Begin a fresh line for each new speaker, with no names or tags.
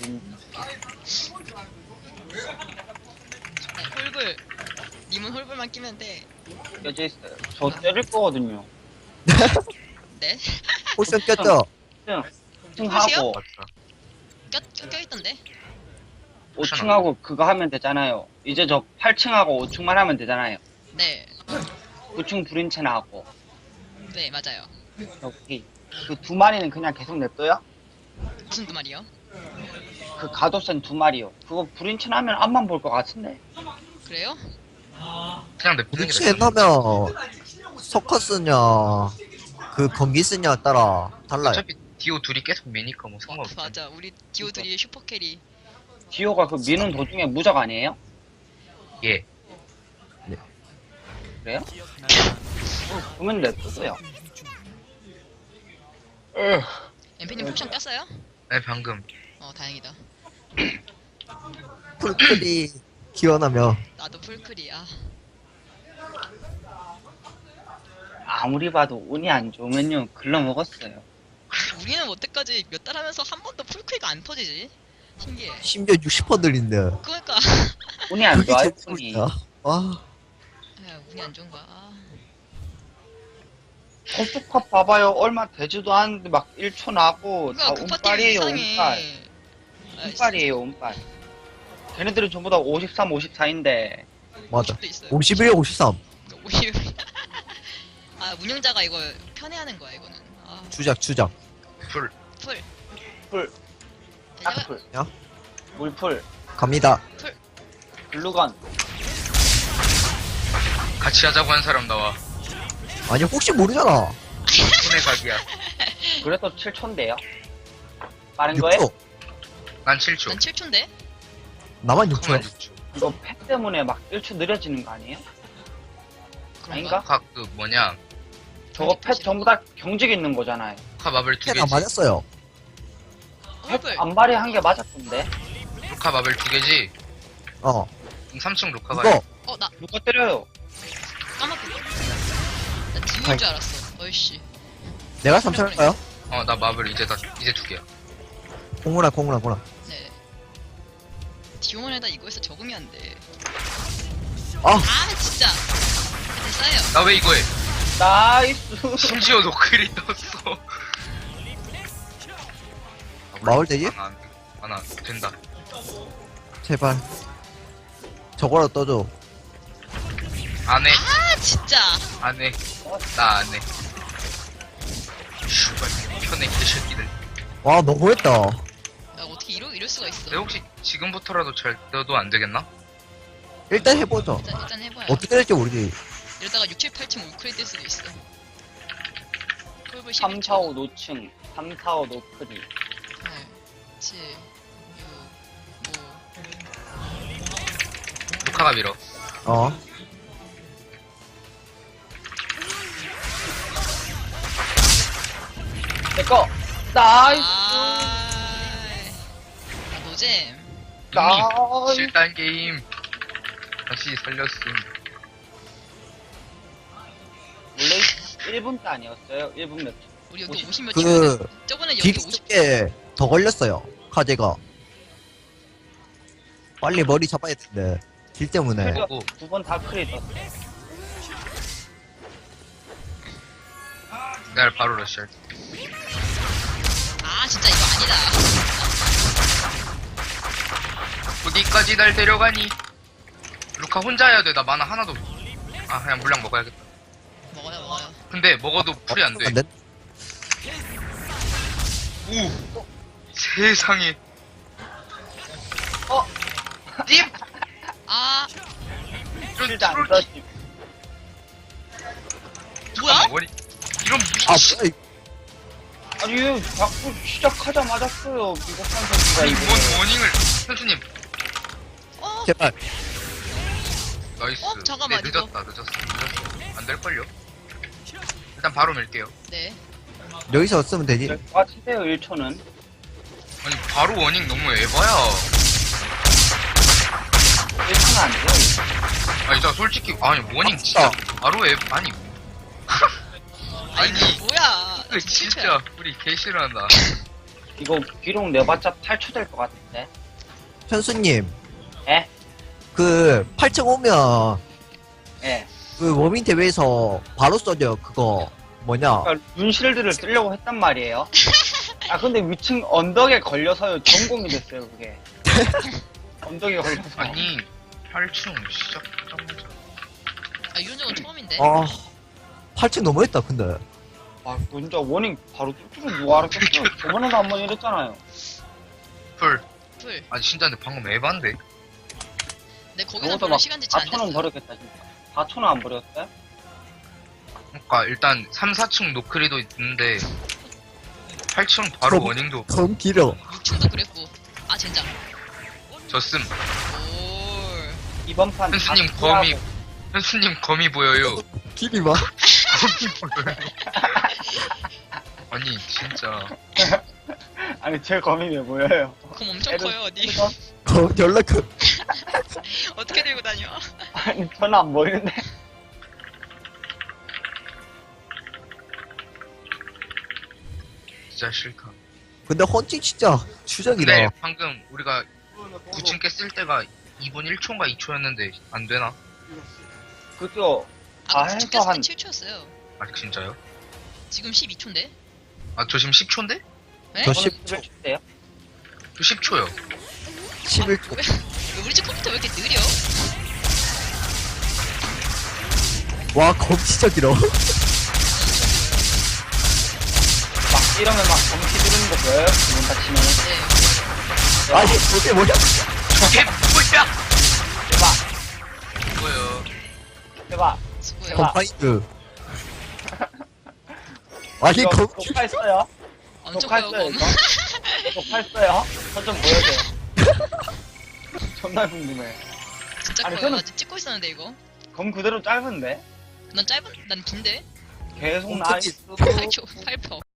홀불. 님은 홀불만 끼면 돼.
껴져 있어요. 저 때릴 거거든요.
네?
포션 꼈죠?
층하고
껴있던데?
5층하고 그거 하면 되잖아요. 이제 저 8층하고 5층만 하면 되잖아요.
네.
9층 불인체나 하고.
네, 맞아요.
여기 그 두 마리는 그냥 계속 냅둬요?
무슨 두 말이요?
그 가도센 두 마리요. 그거 불인체나 하면 앞만 볼 것 같은데.
그래요?
그냥 냅두는 게
위치에
낫죠.
넣으면 서커스냐 그 건기스냐 따라 달라요.
어차피 디오 둘이 계속 미니까 뭐 상관없어.
맞아. 우리 디오들이 슈퍼캐리.
디오가 그 미는 도중에 무적 아니에요?
예.
그래요? 그러면 냅둬요.
엠피님 포션 꼈어요?
네 방금.
다행이다.
풀클이 기원하며
나도 풀클이야.
아무리 봐도 운이 안 좋으면요 글러 먹었어요.
우리는 여태까지 몇 달 하면서 한 번도 풀클이 안 터지지? 신기해.
심지어 60% 늘린데
그러니까.
운이 안
그게
좋아요.
제일
운이.
꿀이야. 와
야, 운이 안 좋은 거야. 아.
고스톱 봐봐요. 얼마 되지도 않는데 막 1초 나고 다
그러니까 그 파티
운빨이에요. 운빨.
이상해.
운빨이에요. 운빨. 걔네들은 전부 다 53, 54인데
맞아.
도 있어요.
51, 53
50. 아, 운영자가 이거 편애하는 거야, 이거는. 아,
주작
풀.
풀.
풀,
야,
딱풀,
야?
물풀,
갑니다.
글루건.
같이 하자고 한 사람 나와.
아니 혹시 모르잖아.
손에 각이야.
그래도 7초인데요. 빠른 거에
6초
난 7초.
난 7초인데?
나만
그만
6초
6초.
이거 팩 때문에 막 1초 느려지는 거 아니에요? 아닌가?
그 뭐냐.
저거 팩 전부 다 경직 있는 거잖아요.
루카 마블 두
캔안
개지.
맞았어요.
홀불.
안발이 한 개 맞았던데.
루카 마블 두 개지.
어
3층 루카가.
이거
나
누가 때려요?
까맣게. 나 디오인 줄 알았어. 어이씨.
내가 3천 할까요?
나 마블 이제 두 개야.
공구나
네. 디오만에다 이거에서 적응이 안 돼.
아
진짜. 됐어요.
나 왜 이거 해?
나이스.
심지어 노클이 떴어.
마을 되지?
안 된다.
제발 저거라도 떠줘.
안 해.
진짜.
안 해. 나 안 해. 슈발 편해 개새끼들.
와 너무했다.
야, 어떻게 이럴 수가 있어.
내 혹시 지금부터라도 잘 떠도 안 되겠나?
일단 해보죠.
일단 해봐요.
어떻게 될지 모르지.
이러다가 6, 7, 8층 우크레이 될 수도 있어. 홀불
3, 4, 5 노층. 3, 4, 5 노크리.
8, 7, 6, 5.
루카가 밀어.
어
내꺼. 나이스.
노잼.
나이스.
실단 게임 다시 살렸음.
원래 1분 때 아니었어요? 1분 몇 초?
우리 여기
50.
50몇
그
층. 저번에 여기
딜이
50.
더 걸렸어요. 카제가 빨리 머리 잡아야 되는데 딜 때문에.
하고.
2번 다 크리 떴어.
내가 바로 러시할.
진짜 이거 아니다.
어디까지 날 데려가니? 루카 혼자 해야 돼. 나 만화 하나도. 그냥 물량 먹어야겠다.
먹어요.
근데 먹어도 풀이 안 돼.
안 돼?
오! 세상에. 딥! 이런
실드 안
트롤.
떠지.
뭐야?
머리. 이런
아
미친.
뭐야
아니, 자꾸 시작하자마자 써요. 비겁한 새끼가
아니,
이거.
뭔 워닝을. 선수님.
제발.
나이스.
잠깐만,
네, 늦었어. 안 될걸요? 일단 바로 밀게요.
네.
여기서 쓰면 되지.
아, 치세요, 1초는.
아니, 바로 워닝 너무 에바야.
1초는 안 돼요.
아니, 자, 솔직히, 워닝 진짜. 바로 아니.
아니, 뭐야?
진짜, 우리 개 싫어한다.
이거 기록 내봤자 8초 될 것 같은데.
현수님.
예?
그 8층 오면
예.
그 워밍 대회에서 바로 써져 그거 뭐냐?
그러니까 눈실드를 쓰려고 했단 말이에요. 아 근데 위층 언덕에 걸려서요 전공이 됐어요 그게. 언덕에 걸려서.
아니 8층 시작하자마자
아 이런 적은 처음인데.
아 8층 너무했다 근데.
아 진짜 워닝 바로 뚫줄 누가 알았겠어요. 저번에도 한 번 이랬잖아요.
풀.
풀.
아니 진짜 근데 방금 에반데.
내 거기서
저것도
별로
막
시간 지체 안
4천원
됐어.
버렸겠다 진짜. 4천원 안 버렸어요?
그러니까 일단 3, 4층 노크리도 있는데 8층 바로
그럼-
워닝도
검 길어.
6층도 그랬고. 아 젠장.
졌음.
올.
이번 판
현수님
다
검이
피하고.
현수님 검이 보여요.
길이 막.
검이 보여요. 아니 진짜
아니 제 검이 왜 보여요?
검 엄청
애를-
커요 어디.
이거?
검 연락 그.
어떻게 들고 다녀?
아니 저는 안 보이는데.
진짜 싫다.
근데 헌팅 진짜 추적이다.
근데 방금 우리가 9층 깼을 때가 2분 1초인가 2초였는데 안 되나?
그죠?
아까
아,
구축
해서
깼을
한-
때 7초였어요.
아 진짜요?
지금 12초인데?
아 저 지금 10초인데?
네?
저
저는
10초.
10초예요.
저 10초요.
11초.
왜 우리 집 컴퓨터 왜 이렇게 느려?
와, 검 진짜 길어.
막 이러면 막 검시 누르는 거 보여요? 기분 다치면.
네.
아니, 저게 뭐야?
저게 뭐야?
해봐.
이거요.
해봐.
수고해요.
컴파인드. 아니,
이거
검 길.
녹화했어요?
엄청 커요
녹화했어요
검.
이거? 녹화했어요? 저 좀 보여줘. 존나 궁금해.
진짜
아니,
커요.
저는-
나 지금 찍고 있었는데 이거.
검 그대로 짧은데?
난 짧은 난 긴데.
계속
엄청
나이스.
8초 8퍼.